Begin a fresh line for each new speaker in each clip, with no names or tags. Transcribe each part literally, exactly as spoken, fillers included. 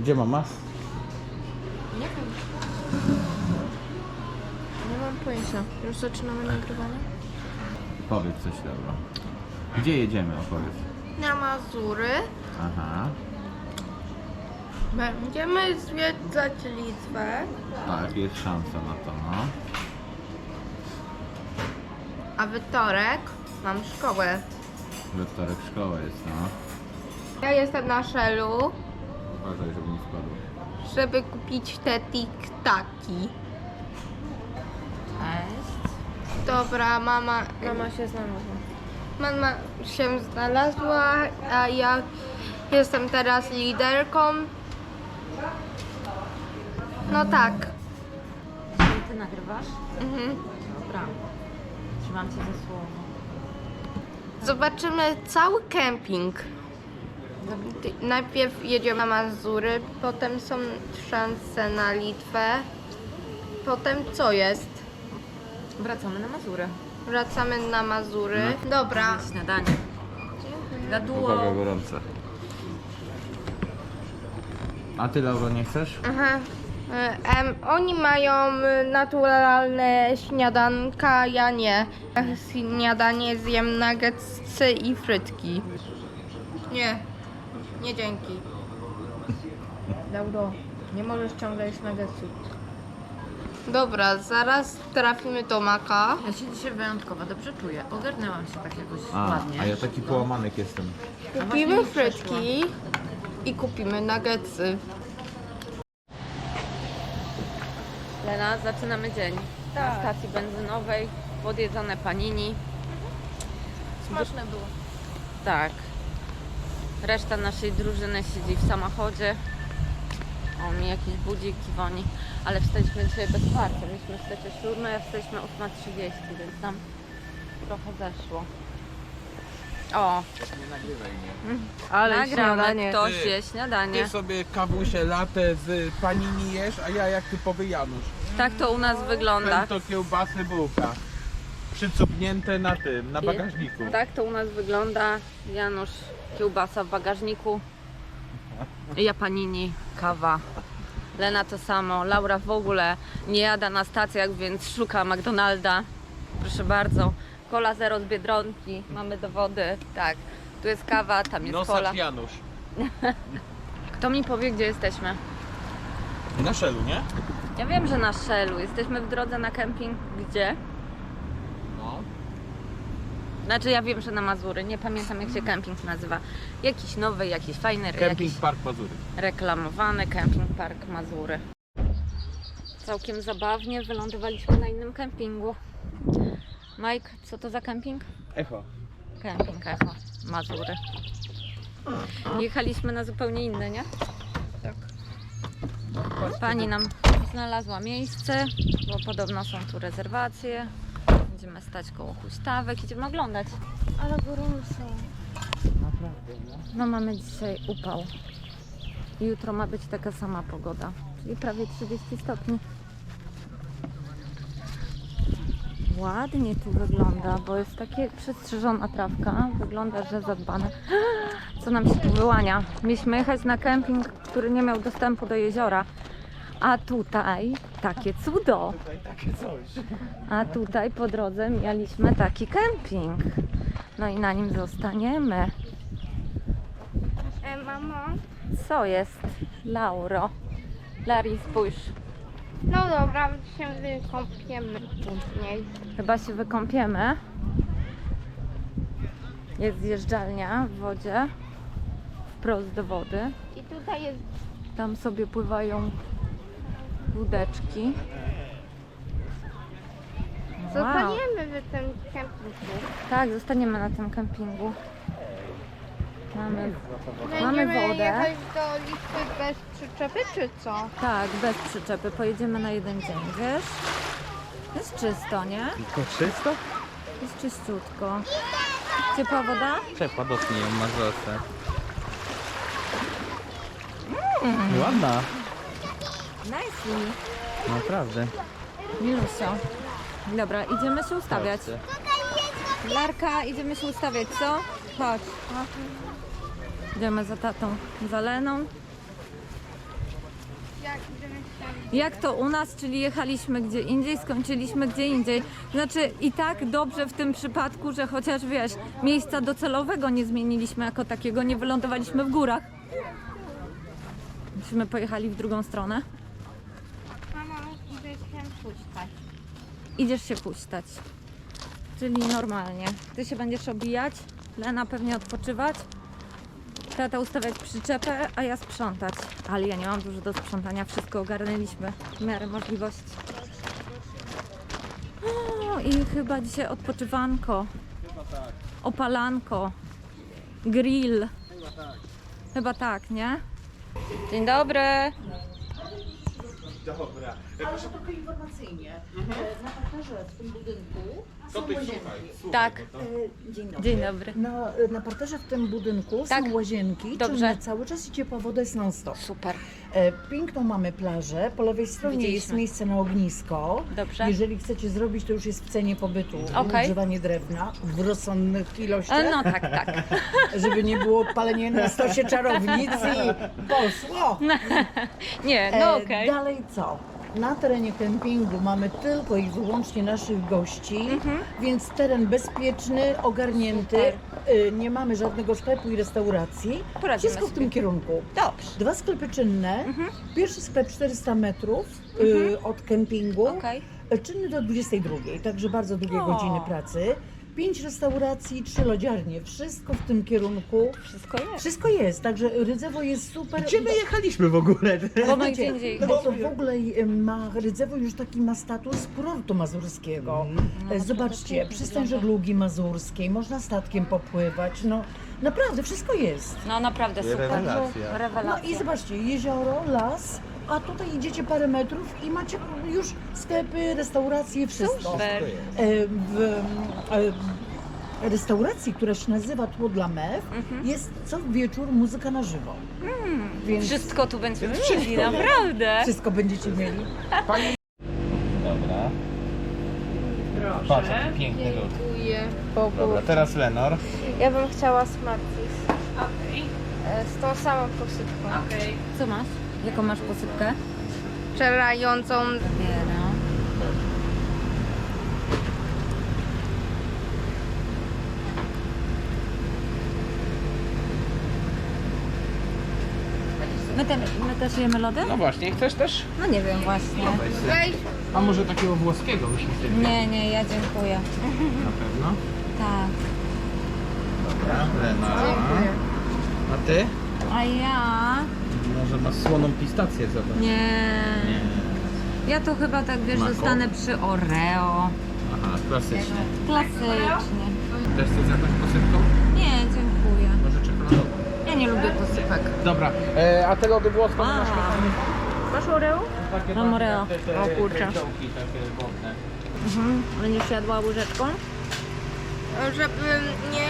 Gdzie mama?
Nie wiem. Nie mam pojęcia. Już zaczynamy nagrywanie?
Powiedz coś, dobra. Gdzie jedziemy, opowiedz.
Na Mazury.
Aha.
Będziemy zwiedzać Litwę.
Tak, jest szansa na to, no.
A we wtorek mam szkołę.
We wtorek szkoła jest, no.
Ja jestem na Shellu,
Uważaj, żeby nie spadło.
żeby kupić te tiktaki.
Cześć.
Dobra, mama...
Mama się znalazła.
Mama się znalazła, a ja jestem teraz liderką. No tak.
Czyli ty nagrywasz?
Mhm.
Dobra. Trzymam cię za słowo.
Zobaczymy cały kemping. Ty- Najpierw jedziemy na Mazury, potem są szanse na Litwę. Potem co jest?
Wracamy na Mazury.
Wracamy na Mazury. Dobra.
Śniadanie. Gaduło.
Uwaga, gorące. A ty, Lauro, nie chcesz?
Aha. E, Em, oni mają e, naturalne śniadanka, ja nie. Ja śniadanie zjem nuggetsy i frytki. Nie, nie dzięki. Lauro, nie możesz ciągle jeść nuggetsów. Dobra, zaraz trafimy do Maka.
Ja się dzisiaj wyjątkowo dobrze czuję. Ogarnęłam się tak jakoś
A,
ładnie.
a ja taki połamanek jestem.
Kupimy frytki i kupimy nuggetsy.
Lena, zaczynamy dzień.
Tak.
Na stacji benzynowej, podjedzone panini.
Smaczne było.
Tak. Reszta naszej drużyny siedzi w samochodzie. O, mi jakiś budzik dzwoni. Ale wstaliśmy dzisiaj bez parcia. Mieliśmy wstać o siódmej, a wstaliśmy o ósma trzydzieści, więc tam trochę zeszło. O,
Nie nagrywaj mnie.
Ale
nagramy,
śniadanie.
ktoś
Ty,
je śniadanie.
Ty sobie kawusie latę z panini jesz, a ja jak typowy Janusz.
Tak to u nas wygląda.
Pęto, kiełbasy, bułka. Przycupnięte na tym, na bagażniku.
Tak to u nas wygląda. Janusz, kiełbasa w bagażniku. Ja panini, kawa. Lena to samo. Laura w ogóle nie jada na stacjach, więc szuka McDonalda. Proszę bardzo. Cola zero z Biedronki. Mamy dowody. Tak. Tu jest kawa, tam jest cola.
Nosacz Janusz.
Kto mi powie, gdzie jesteśmy?
Na szelu, nie?
Ja wiem, że na Shellu. Jesteśmy w drodze na kemping. Gdzie?
No.
Znaczy ja wiem, że na Mazury. Nie pamiętam, jak się kemping nazywa. Jakiś nowy, jakiś fajny,
Camping
jakiś
Park Mazury.
reklamowany Camping Park Mazury. Całkiem zabawnie wylądowaliśmy na innym kempingu. Mike, co to za kemping?
Echo.
Kemping Echo, Mazury. Jechaliśmy na zupełnie inne, nie?
Tak.
Pani nam znalazła miejsce, bo podobno są tu rezerwacje. Będziemy stać koło huśtawek, idziemy oglądać.
Ale gorąco.
Naprawdę, no.
No mamy dzisiaj upał. I jutro ma być taka sama pogoda, czyli prawie trzydzieści stopni. Ładnie tu wygląda, bo jest takie przystrzyżona trawka. Wygląda, że zadbane. Co nam się tu wyłania? Mieliśmy jechać na kemping, który nie miał dostępu do jeziora. A tutaj takie cudo.
Tutaj takie coś.
A tutaj po drodze mieliśmy taki kemping. No i na nim zostaniemy.
E, mamo?
Co jest, Lauro? Lari, spójrz.
No dobra, się wykąpiemy później.
Chyba się wykąpiemy. Jest zjeżdżalnia w wodzie. Wprost do wody.
I tutaj jest...
Tam sobie pływają łódeczki. Wow.
Zostaniemy w tym kempingu.
Tak, zostaniemy na tym kempingu. Mamy, mamy
Będziemy
wodę.
jechać do Litwy bez przyczepy, czy co?
Tak, bez przyczepy. Pojedziemy na jeden dzień, wiesz? Jest czysto, nie?
Tylko czysto?
Jest czyściutko. Ciepła woda?
Ciepła, dotknij ją, masz rosę. Mm. Ładna.
Nice.
Naprawdę.
Milusio. Dobra, idziemy się ustawiać. Larka, idziemy się ustawiać, co? Chodź. Idziemy za tatą, za Leną. Jak to u nas, czyli jechaliśmy gdzie indziej, skończyliśmy gdzie indziej. Znaczy i tak dobrze w tym przypadku, że chociaż wiesz, miejsca docelowego nie zmieniliśmy jako takiego, nie wylądowaliśmy w górach. Myśmy pojechali w drugą stronę.
Mamo, idę się puszczać.
Idziesz się puścić. Czyli normalnie. Ty się będziesz obijać, Lena pewnie odpoczywać, tata ustawiać przyczepę, a ja sprzątać. Ale ja nie mam dużo do sprzątania, wszystko ogarnęliśmy w miarę możliwości. O, i chyba dzisiaj odpoczywanko, opalanko, grill. Chyba tak, nie? Dzień dobry.
Dobra.
Ale to tylko informacyjnie. Na parterze w tym budynku
Co
są
ty
łazienki.
słuchaj?
Tak.
E, Dzień dobry.
Dzień dobry.
Na, na parterze w tym budynku
Tak.
są łazienki,
Dobrze.
czynne cały czas i ciepła woda jest non stop.
Super.
E, piękną mamy plażę, po lewej stronie jest
Widzieliśmy.
miejsce na ognisko.
Dobrze.
Jeżeli chcecie zrobić, to już jest w cenie pobytu.
Okej.
Używanie drewna w rozsądnych ilościach,
E, No tak, tak.
żeby nie było palenie na stosie czarownic i poszło.
Nie,
E,
no okej.
Dalej co? Na terenie kempingu mamy tylko i wyłącznie naszych gości, więc teren bezpieczny, ogarnięty. Y, Nie mamy żadnego sklepu i restauracji.
Poradzimy
Wszystko w
sobie.
tym kierunku.
Dobrze.
Dwa sklepy czynne. Pierwszy sklep czterysta metrów y, od kempingu.
Okej.
Y, Czynny do dwudziestej drugiej, także bardzo długie
O.
godziny pracy. Pięć restauracji, trzy lodziarnie. Wszystko w tym kierunku.
Wszystko jest.
Wszystko jest, także Rydzewo jest super.
Gdzie my jechaliśmy w ogóle?
Bo my
Wiecie,
gdzie indziej
no bo to w ogóle y, ma, Rydzewo już taki ma status kurortu mazurskiego. E, Zobaczcie, przystań żeglugi mazurskiej, można statkiem popływać, no naprawdę wszystko jest.
No naprawdę super.
Rewelacja.
No
Rewelacja.
i zobaczcie, jezioro, las, a tutaj idziecie parę metrów i macie już sklepy, restauracje, wszystko.
Super.
E, W e, restauracji, która się nazywa Tło dla Mew, jest co wieczór muzyka na żywo. Więc
Wszystko tu będziemy mieli, naprawdę.
wszystko będziecie mieli.
Dobra. Patrz, jaki piękny lód.
Dziękuję Bogu.
Dobra, teraz Lenor.
Ja bym chciała Smarties. E, Z tą samą posypką.
Co masz? Jaką masz posypkę?
Wczorającą.
Zabieram. My, te, my też jemy lody?
No właśnie, chcesz też?
No nie wiem właśnie.
Weź.
A może takiego włoskiego byśmy chcieli?
Nie, nie, ja dziękuję.
Na pewno.
Tak.
Dobra, Lenor.
Dziękuję.
A ty?
A ja...
Może masz słoną pistację, zobacz.
Nie.
Nie.
Ja to chyba tak wiesz,
Mako?
zostanę przy Oreo.
Aha, klasycznie.
Klasycznie.
Też chcesz z jakąś posypką?
Nie, dziękuję.
Może czekoladową?
Ja nie lubię posypek.
Dobra, e, a te lody włoskie
A.
masz
Masz Oreo?
takie
Mam Oreo.
te, te
O kurczę.
kręciołki takie wodne.
Mhm. Będziesz jadła łyżeczką?
Żeby nie...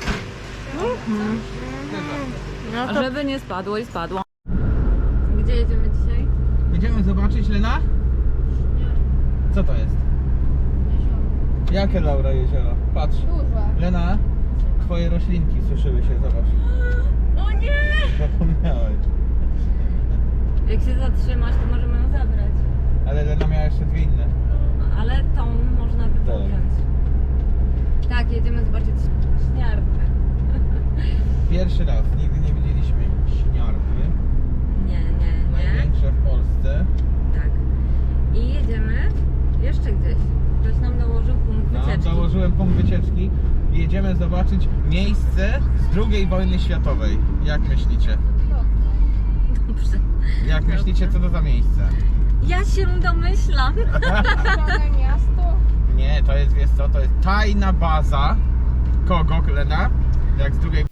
No
A
to
żeby nie spadło i spadło. Gdzie jedziemy dzisiaj?
Będziemy zobaczyć, Lena? Co to jest? Jakie, Laura, jezioro? Patrz.
duże.
Lena, twoje roślinki suszyły się, zobacz.
O nie!
Zapomniałeś.
Jak się zatrzymasz, to możemy ją zabrać.
Ale Lena miała jeszcze dwie inne.
Ale tą można by
Tak.
wziąć. Tak, jedziemy zobaczyć śniarkę.
Pierwszy raz, nigdy nie widzieliśmy śniarki.
Nie, nie, nie.
Największe w Polsce.
Tak. I jedziemy jeszcze gdzieś. Ktoś nam dołożył punkt
No,
wycieczki.
założyłem punkt wycieczki. Jedziemy zobaczyć miejsce z drugiej wojny światowej. Jak myślicie?
Dobrze.
Jak myślicie, co to za miejsce?
Ja się domyślam.
Zielone miasto.
Nie, to jest, wiesz co, to jest tajna baza. Kogo, Lena? Jak z drugiej...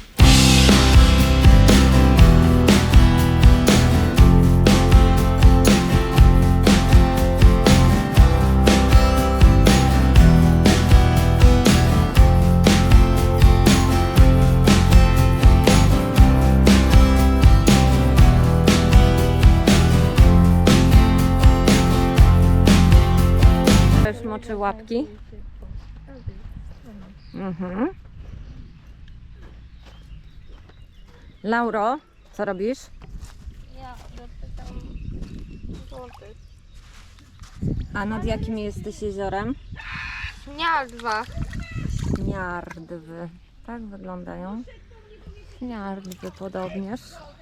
Też moczy łapki. Mhm. Lauro, co robisz?
Ja dopytam
A nad jakim jesteś jeziorem?
Śniadwa.
Śniardwy. Tak wyglądają. Śniardwy podobnież.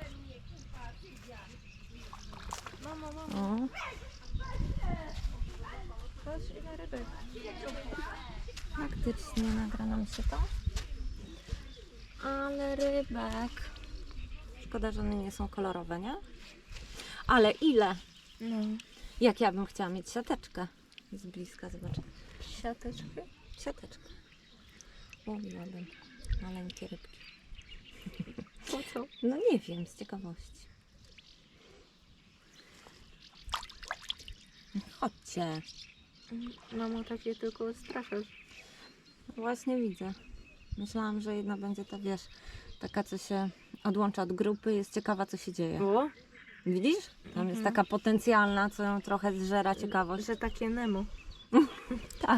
O. Faktycznie nagra nam się to. Ale rybek. Szkoda, że one nie są kolorowe, nie? Ale ile?
No.
Jak ja bym chciała mieć siateczkę. Z bliska zobaczę.
Siateczki.
Siateczkę. Łowiłabym maleńkie rybki.
Po co?
No nie wiem, z ciekawości. Chodźcie.
Mamo, takie tylko straszysz.
Właśnie widzę. Myślałam, że jedna będzie ta, wiesz, taka, co się odłącza od grupy, jest ciekawa, co się dzieje.
Było?
Widzisz? Tam jest taka potencjalna, co ją trochę zżera ciekawość.
Że takie Nemo.
Tak.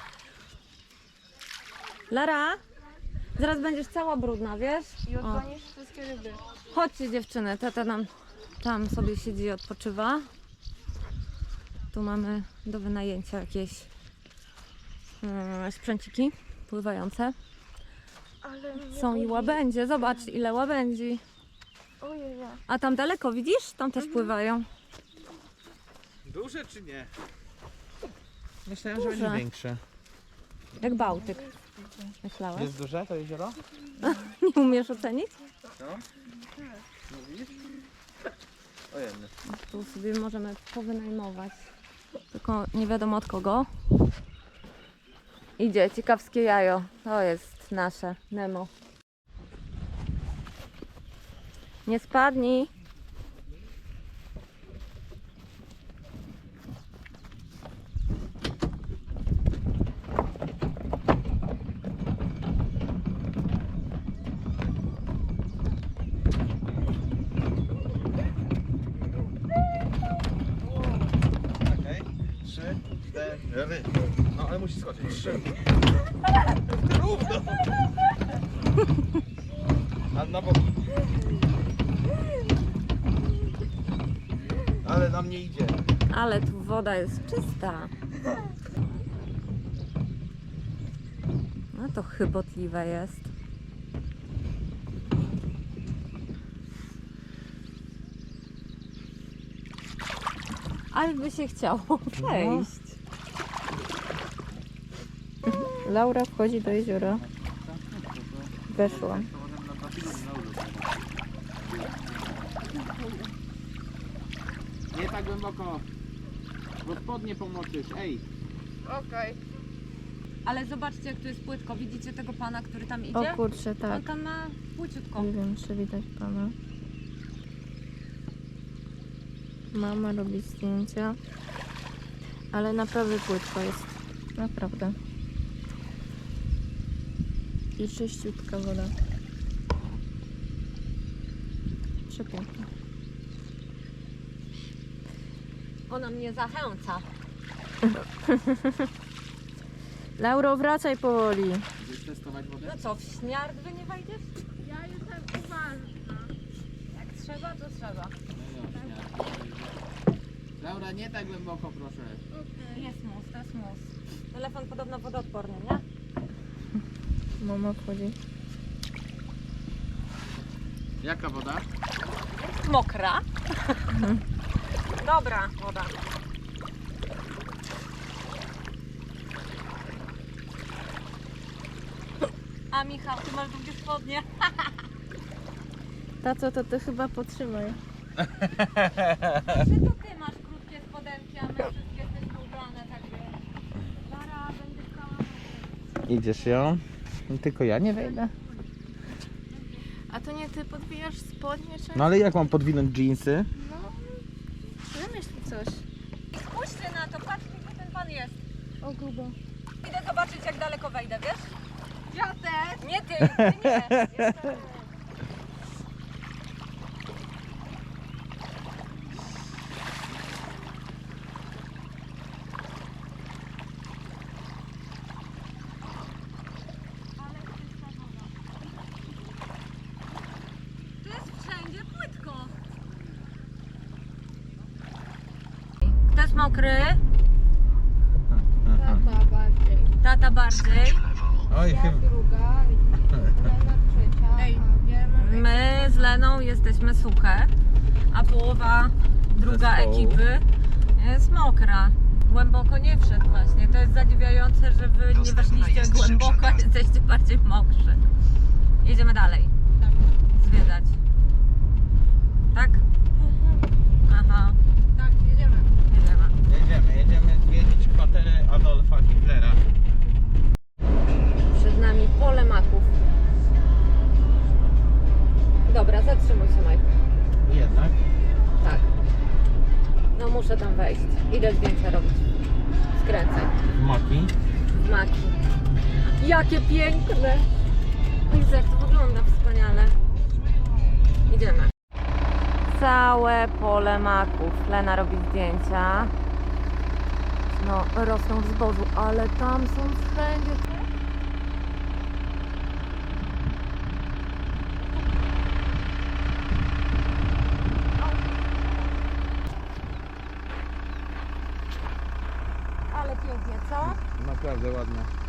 Lara, zaraz będziesz cała brudna, wiesz?
I
O.
odgonisz wszystkie ryby.
Chodźcie dziewczyny, tata nam tam sobie siedzi i odpoczywa. Tu mamy do wynajęcia jakieś yy, sprzęciki pływające.
Ale mnie
Są i
boli.
łabędzie, zobacz ile łabędzi.
Ojej.
A tam daleko widzisz? Tam też pływają.
Duże czy nie? Myślałem, że
Duże.
będzie większe.
Jak Bałtyk. Myślałeś?
Jest duże to jezioro?
Nie umiesz ocenić?
No. Mówisz? Ojej.
Tu sobie możemy powynajmować. Tylko nie wiadomo od kogo. Idzie ciekawskie jajo. To jest nasze Nemo. Nie spadnij.
Okej. Trzy, cztery. No ale musi skoczyć. Trzy. Równo. A na bok. Ale nam nie idzie.
Ale tu woda jest czysta. No to chybotliwe jest. Ale by się chciało przejść.
Laura wchodzi do jeziora. Weszła.
Nie tak głęboko. Bo spodnie pomoczysz, ej.
Okej.
Ale zobaczcie, jak tu jest płytko. Widzicie tego pana, który tam
O
idzie?
kurczę,
On
tak.
tam ma płyciutko.
Nie wiem, czy widać pana. Mama robi zdjęcia. Ale naprawdę płytko jest. Naprawdę. I czyściutka woda. Przepiękna.
Ona mnie zachęca.
Lauro, wracaj powoli.
Chcesz testować wodę?
No co, w śniardwy nie wejdziesz?
Ja jestem uważna.
Jak trzeba, to trzeba.
Laura, nie tak głęboko, proszę.
Jest mus, to jest mus. Telefon podobno wodoodporny, nie?
Mama wchodzi.
Jaka woda?
Mokra. Dobra woda. A Michał, ty masz długie spodnie.
Tato, to ty chyba potrzymaj.
Czy to ty masz krótkie spodenki, a my wszystkie jesteśmy ubrane, tak wiesz. Lara, będzie cała...
Idziesz ją? Tylko ja nie wejdę.
A to nie ty podbijasz spodnie, czy?
No ale jak mam podwinąć dżinsy?
No, wymyśl coś.
Spójrzcie na to, patrzcie, gdzie ten pan jest.
O grubo.
Idę zobaczyć, jak daleko wejdę, wiesz?
Ja też.
Nie ty, ty nie. Tu jest wszędzie płytko. Kto jest mokry? ja bardziej.
Oj,
Ja
chyba.
druga, Lena trzecia. Ej, ja mam...
My z Leną jesteśmy suche, a połowa druga
Zespołu.
ekipy jest mokra. Głęboko nie wszedł właśnie. To jest zadziwiające, że wy nie weszliście głęboko, a jesteście bardziej mokrzy. Jedziemy dalej. Zwiedzać. Tak? Aha,
Tak, jedziemy.
jedziemy.
Jedziemy, jedziemy zwiedzić kwaterę Adolfa Hitlera.
Przed nami pole maków. Dobra, zatrzymuj się, Majku.
Jednak.
Tak. No muszę tam wejść. Idę zdjęcia robić. Skręcaj.
Maki.
Maki. Jakie piękne! Widzę, jak to wygląda wspaniale. Idziemy. Całe pole maków. Lena robi zdjęcia. No, rosną w zbożu, ale tam są wszędzie. Ale pięknie, co?
Naprawdę ładne.